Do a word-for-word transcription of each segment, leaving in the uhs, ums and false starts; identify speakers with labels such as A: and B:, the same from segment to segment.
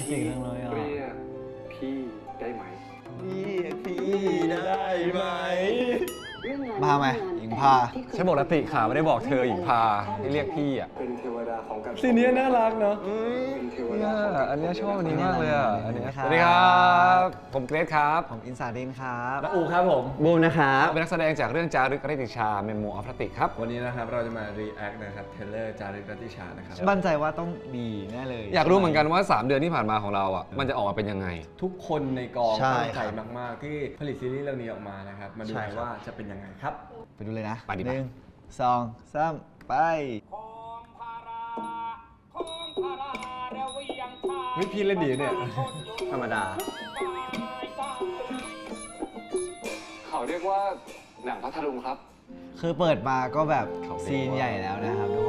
A: เก่งจังเลยอ่ะ
B: เรียกพี่ได้ไหม
A: เรียกพี่ได้ไหม
C: พาไหมหญิงพา
D: ใช่ปกติขาไม่ได้บอกเธอหญิงพาให้เรียกพี่อ่ะ
B: เป็นเทวดาของการ
A: ซีนนี้น่ารักเนาะ
B: เป็นเทวดา
D: เนี่ย
B: ของการ
D: อันเนี้ยชอบอันนี้มากเลยอ่ะอันเนี้ย
C: ส
D: ส
C: วั
D: วั
C: ส
D: ส
C: ดี
D: ดี
C: ค
D: ค
C: รั
D: รับ ผมอินสาดินครับ
C: ผมอินสาดินครับ
A: และอูครับผม
C: บูมนะครับ
D: เป็นนักแสดงจากเรื่องจารึกรัตติชาเมโมออฟรัติครับ
A: วันนี้นะครับเราจะมา react นะครับเทเลอร์จารึกรัตติชานะครับ
C: มั่นใจว่าต้องดีแน่เลย
D: อยากรู้เหมือนกันว่า สาม เดือนที่ผ่านมาของเราอ่ะมันจะออกมาเป็นยังไง
A: ทุกคนในกอง
C: ใช่
A: ตั้งใจ
C: ครับ
A: มาก ๆ ที่ผลิตซีรีส์เรื่องนี้ออกมานะครับ มาดู
C: ใช่
A: กัน
C: ครับ
A: ว่าจะเป็นยังไงครับ
C: ไปดูเลยนะ
D: ไปดิ
C: หนึ่งสองสามไป
A: เฮ้ยพี่เล่นดีเนี่ย
C: ธรรมดา
B: เขาเรียกว่าหนังพัทลุงครับ
C: คือเปิดมาก็แบบ
D: เขาเรียกว่า
C: ซีนใหญ่แล้วนะครับทุกคน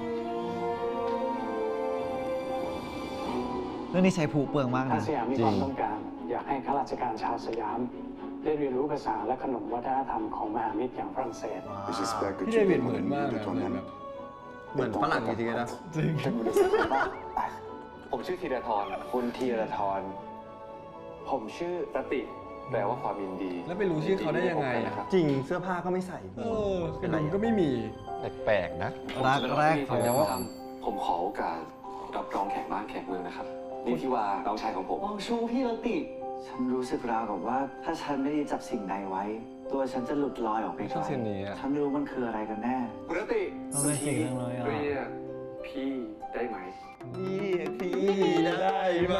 C: เรื่องนี้ใช้ผูเปลืองมาก
E: ถ้า
C: นะ
E: สยามมีความต้องการ อยากให้ข้าราชการชาวสยาม ได้เรียนรู้ภาษาและขนมวัฒนธรรมของมหามิตรอย่างฝรั่งเศส
A: พี่เดวิดเหมือนมากนะเหมือนแบบเหมือนฝรั่งจริงๆนะจริง
B: ผมชื่อธีรทรคุณธีรทรผมชื่อรติแปลว่าความยินดี
A: แล้วไปรู้ชื่อเขาได้ยังไงอะ
B: ครับ
F: จริงเสื้อผ้าก็ไม่ใส่
A: เออกระดุมก็ไม่มี
D: แปลกๆนะ
C: รักแรก
B: ผมจะมาทำผมขอโอกาสรับรองแขกบ้านแขกเมืองนะครับ นี่ที่ว่าน้องชายของผม
G: มองชูพี่รติ ฉันรู้สึกราวกับว่า ถ้าฉันไม่ได้จับสิ่งใดไว้ ตัวฉันจะหลุดลอยออกไป
D: ช
G: ไก
D: อ
G: ล
D: บซีนนี้อะ
G: ฉันไม่รู้มันคืออะไรกันแน่
B: คุณรติ
A: ทำไมเก่งจังเลยอ่ะ
B: เรียกพี่ได้ไหม
A: เรียกพี่ได้ไหม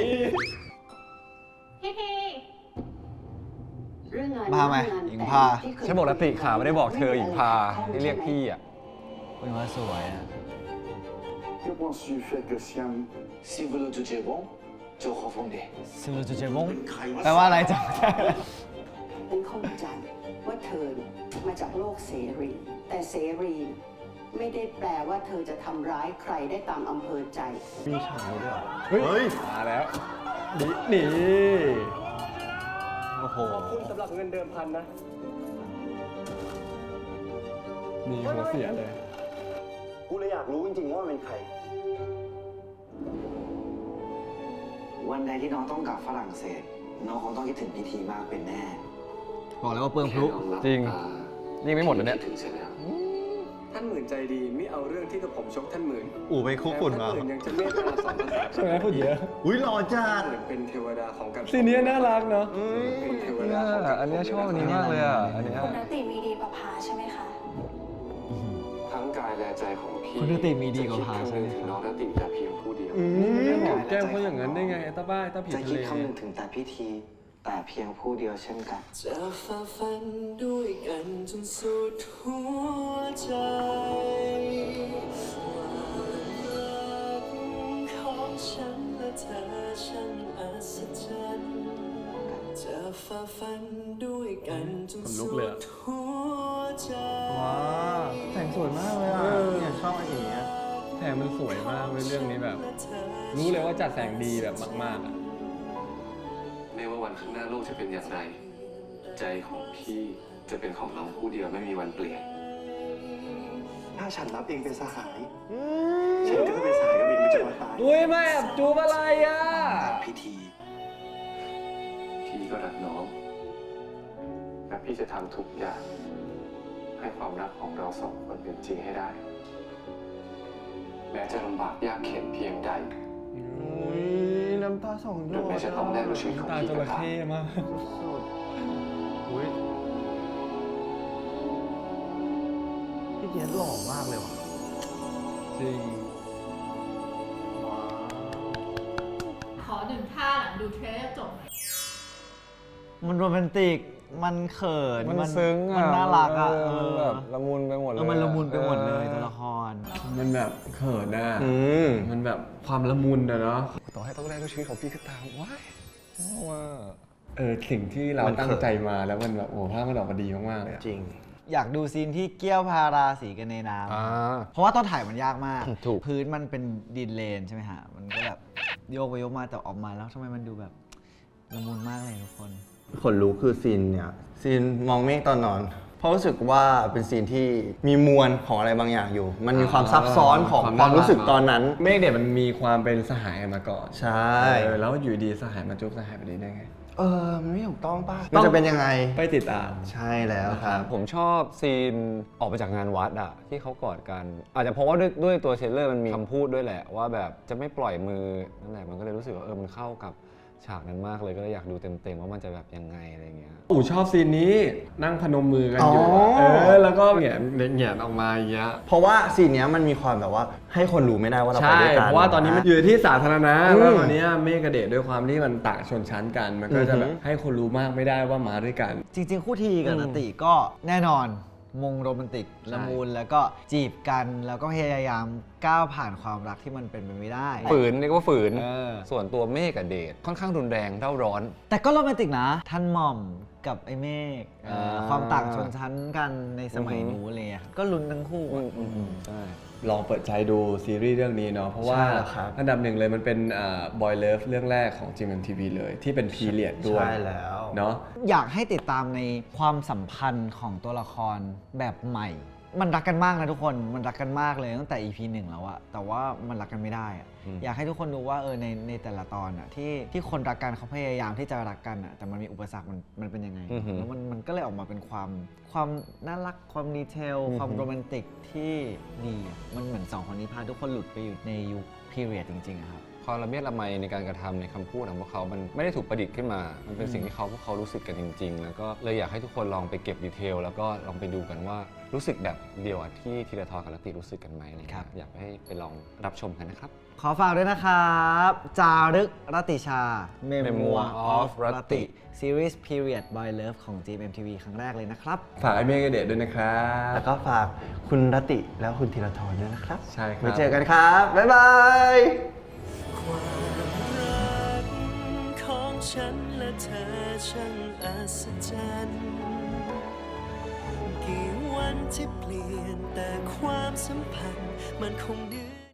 H: พี่พี
C: พาไหมหญิงพา
D: ใช่ปกติขาไม่ได้บอกเธอหญิงพาให้เรียกพี่อ่ะ
C: เป็นว่าสวยอ่ะ
G: Que penses-tu faire que Siam Si vous le jugez bon, je refondez
C: ซิมโลจูเจมงแปลว่าอะไรจ๊ะ
I: ฉันเข้าใจว่าเธอมาจากโลกเสรี แต่เสรีไม่ได้แปลว่าเธอจะทำร้ายใครได้ตามอำเภอใจ
F: มีฉากด้วยเหรอ
A: เฮ้ย
F: เฮ้ย
A: มาแล้วนี่นี่
C: โอ้โห
B: คุณสำหรับเงินเดิมพันนะ
A: นี่หัวเสียเลย
F: กูเลยอยากรู้จริงๆว่ามันเป็นใคร
G: วันใดที่น้องต้องกลับฝรั่งเศส น้องคงต้องคิดถึงพิธีมากเป็นแน่
C: บอกเลยว่าเปลืองพลุ
D: จริง นี่ไม่หมดเลยเนี่ย
B: ถึงเสร็จแล้วท่านหมื่นใจดีไม่เอาเรื่องที่กับผมชกท่านหมื่น
F: อู๋ไปคุกฝุ่นมา
B: ท่านหมื่นยังจะเมตตาสอนภาษา
A: ใช่ไหมพูดเยอะ
F: อุ้ยหล่อจัด
B: เหมือนเป็นเทวดาของการ
A: ซีนนี้น่ารักเนาะ
B: เป็นเทว
D: เนี่
B: ดายของการ
D: อันเนี้ยชอบอันนี้มากเลยอ่ะอันเนี้ย
H: คุณรติมีดีกว่าพาใช่ไหมคะ
B: ทั้งกายและใจของพี่
C: คุณรติมีดีกว่าพาใช่ไหม
B: จะคิดคำนึงถึงน้องรติแต่เพียงผู้เดียว
A: อืมหอมแก้มเขาอย่างนั้นได้ไงไอ้ตาบ้าไอ้ตาผี
G: จะ
A: ทะ
G: คิด
A: เล
G: คำนึงถึงแต่พิธี แต่เพียงผู้เดียวเช่นกัน
E: จะฝ่าฟันด้วยกันจนสุดหัวใจของฉันและเธอช่างอัศจรรย์จะฝ่าฟันด้วยกันจนสุดหัวใจ
A: ว้าวแสงสวยมากเลยอ่ะ
F: เนี่ยชอบอันนี้
A: แสงมันสวยมากเลยเรื่องนี้แบบ รู้เลยว่าจัดแสงดีแบบมากๆอ่ะ
B: ไม่ว่าวันข้างหน้าโลกจะเป็นอย่างไร ใจของพี่จะเป็นของน้องผู้เดียวไม่มีวันเปลี่ยน
G: ถ้าฉันรับเองเป็นสหาย ฉันก็จะเป็นสหายกับเองไปจนวันตาย
A: อุ้ยแม่แอบจูบอะไรอ่ะ
G: พิธี
B: พี่ก็รักน้องและพี่จะทำทุกอย่าง ให้ความรักของเราสองคนเป็นจริงให้ได้ แม้จะลำบากยากเข็ญเพียงใด
F: อุ้ยน้ำตาสองหย
B: หรือ
F: ด
B: แม้จะต้องแลกด้วยชีวิตของ
A: ตา
B: พี่
A: จ
B: ก็
A: ระ
B: ตาม
A: เข้มาก
F: สุดอุ้ยพี่เจี๊ยบหล่อมากเลยว่ะ
A: จริง
F: ว้าว
H: ขอหนึ่งท่าหลังดูเทรลเลอร์จบ
C: มันโรแมนติก มันเขิน
D: มันซึ้งอ่ะ
C: มันน่ารักอ่ะ
D: เออมันแบบละมุนไปหมดเลย
C: เออมันละมุนไปหมดเลย
D: ออ
C: ตัวละคร
A: มันแบบเขินอ่ะ
F: อืม
A: มันแบบความละมุนอะเนาะ
D: ต่อให้ต้องแลกด้วยชีวิตของพี่ก็ตามว้ายชอบว่า
A: เออสิ่งที่เรา
F: มันเขิน
A: ตั้งใจมาแล้วมันแบบโอ้โหภาพมันออกมาดีมากๆเลยอะ
F: จริง
C: อยากดูซีนที่เกี้ยวพาราสีกันในน้
D: อ่า
C: ำเพราะว่าตอนถ่ายมันยากมาก
D: ถูก
C: พื้นมันเป็นดินเลนใช่ไหมฮะ มันก็แบบโยกไปโยกมาแต่ออกมาแล้วทำไมมันดูแบบละมุนมากเลยทุกคน
F: ขนลุกคือซีนเนี่ย ซีนมองเมฆตอนนอนเพราะรู้สึกว่าเป็นซีนที่มีมวลของอะไรบางอย่างอยู่ มันมีความซับซ้อนของความรู้สึกตอนนั้น
A: เมฆเด็ดมันมีความเป็นสหายมาก่อน
F: ใช่
A: เออแล้วอยู่ดีสหายมาจุ๊บสหายแบบนี้ได้ไง
F: เออมันไม่ถูกต้องป่ะมันจะเป็นยังไง
A: ไปติดตาม
F: ใช่แล้วครับ
D: ผมชอบซีนออกไปจากงานวัดอะที่เขากอดกัน อาจจะเพราะว่าด้วยด้วยตัวเทรลเลอร์มันมีคำพูดด้วยแหละว่าแบบจะไม่ปล่อยมือนั่นแหละมันก็เลยรู้สึกว่าเออมันเข้ากับฉากนั้นมากเลยก็เลยอยากดูเต็มๆว่ามันจะแบบยังไงอะไรเงี้ย
A: อู๋ชอบซีนนี้นั่งพนมมือกันอยู่
F: อ๋อ
A: เออแล้วก็แหงนแหงนออกมาอย่างเงี้ย
F: เพราะว่าซีนเนี้ยมันมีความแบบว่าให้คนรู้ไม่ได้ว่าเราไป
A: ใช่
F: ด้วยกัน
A: เพราะว่าตอนนี้มันอยู่ที่สาธารณะ
F: อืม
A: แล้วตอนนี้เมฆกับเดชด้วยความที่มันต่างชนชั้นกัน มันก็จะ
F: อือหื
A: แบ
F: อ
A: บให้คนรู้มากไม่ได้ว่ามาด้วยกัน
C: จริง ๆ คู่ทีกับนติก็แน่นอนมงโรแมนติกละมุนแล้วก็จีบกันแล้วก็พยายามก้าวผ่านความรักที่มันเป็นไปไม่ได้
D: ฝืนนี่ก็ว่าฝืน
C: เออ
D: ส่วนตัวเมฆกับเดชค่อนข้างรุนแรงเร่าร้อน
C: แต่ก็โรแมนติกนะ ท่านหม่อมกับไอ้เมฆเอ่อ
F: อ่า
C: ความต่างชนชั้นกันในสมัยนู้นอะไรเลยก็ลุ้นทั้งคู่อะ
D: ใช่
A: ลองเปิดใจดูซีรีส์เรื่องนี้เนาะเพราะว่า
F: ใช่แล้วครับ
A: อันดับหนึ่งเลยมันเป็นบอยเลิฟเรื่องแรกของ จี เอ็ม ที วี เลยที่เป็นพีเรียดด้วย
F: ใช่แล้ว
A: เนาะ
C: อยากให้ติดตามในความสัมพันธ์ของตัวละครแบบใหม่ มันรักกันมากนะทุกคน มันรักกันมากเลยตั้งแต่ อี พี หนึ่งแล้วอะแต่ว่ามันรักกันไม่ได้อะ
D: อืม
C: อยากให้ทุกคนดูว่าเออในในแต่ละตอนอะที่ที่คนรักกันเขาพยายามที่จะรักกันอะแต่มันมีอุปสรรคมันมันเป็นยังไง แล้วมันมันก็เลยออกมาเป็นความความน่ารักความดีเทล ความโรแมนติกที่ดีอะมันเหมือนสองคนนี้พาทุกคนหลุดไปอยู่ในยุคพีเรียดจริงๆอะครับ
D: ความละเมียดละไมในการกระทำในคำพูดของพวกเขา มันไม่ได้ถูกประดิษฐ์ขึ้นมา มันเป็นสิ่งที่เขาพวกเขารู้สึกกันจริง ๆ แล้วก็เลยอยากให้ทุกคนลองไปเก็บดีเทลแล้วก็ลองไปดูกันว่ารู้สึกแบบเดียวกับที่ธีรทรกับรติรู้สึกกันไหมอะไรเงี้ย
C: ครับ
D: อยากให้ไปลองรับชมกันนะครับ
C: ขอฝากด้วยนะครับ จารึกรติชา Memoir
D: Memoir
C: of
D: of
C: ร
D: ร
C: ติ
D: ติ
C: ซีรีส์ Period by Love ของ จี เอ็ม ที วี ครั้งแรกเลยนะครับ
A: ฝากไอ้เมฆกับเดชด้วยนะครับ
F: แล้วก็ฝากคุณรติแล้วคุณธีรทรด้วยนะครับ
A: ใช่ครับ
F: ไว้เจอกันครับ บ๊ายบาย
E: ความรักของฉันและเธอช่างอัศจรรย์กี่วันที่เปลี่ยนแต่ความสัมพันธ์มันคงเดือน